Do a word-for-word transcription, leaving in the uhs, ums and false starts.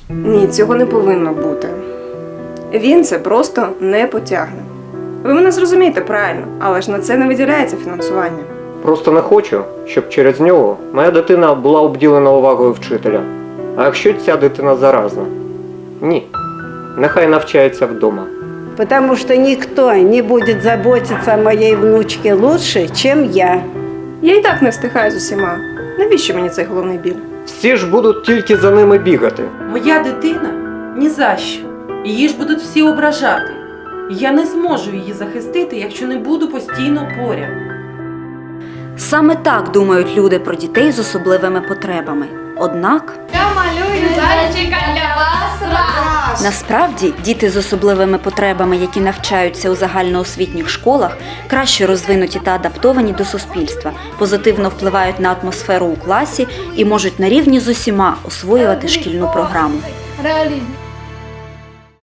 Ні, цього не повинно бути. Він це просто не потягне. Ви мене зрозумієте правильно, але ж на це не виділяється фінансування. Просто не хочу, щоб через нього моя дитина була обділена увагою вчителя. А якщо ця дитина заразна? Ні. Нехай навчається вдома. Потому что никто не будет заботиться о моей внучке лучше, чем я. Я і так не встигаю з усіма. Навіщо мені цей головний біль? Всі ж будуть тільки за ними бігати. Моя дитина ні за що. Її ж будуть всі ображати. Я не зможу її захистити, якщо не буду постійно поряд. Саме так думають люди про дітей з особливими потребами. Однак, Я малюю зайчика для вас раз. насправді, діти з особливими потребами, які навчаються у загальноосвітніх школах, краще розвинуті та адаптовані до суспільства, позитивно впливають на атмосферу у класі і можуть на рівні з усіма освоювати шкільну програму. Реалізм.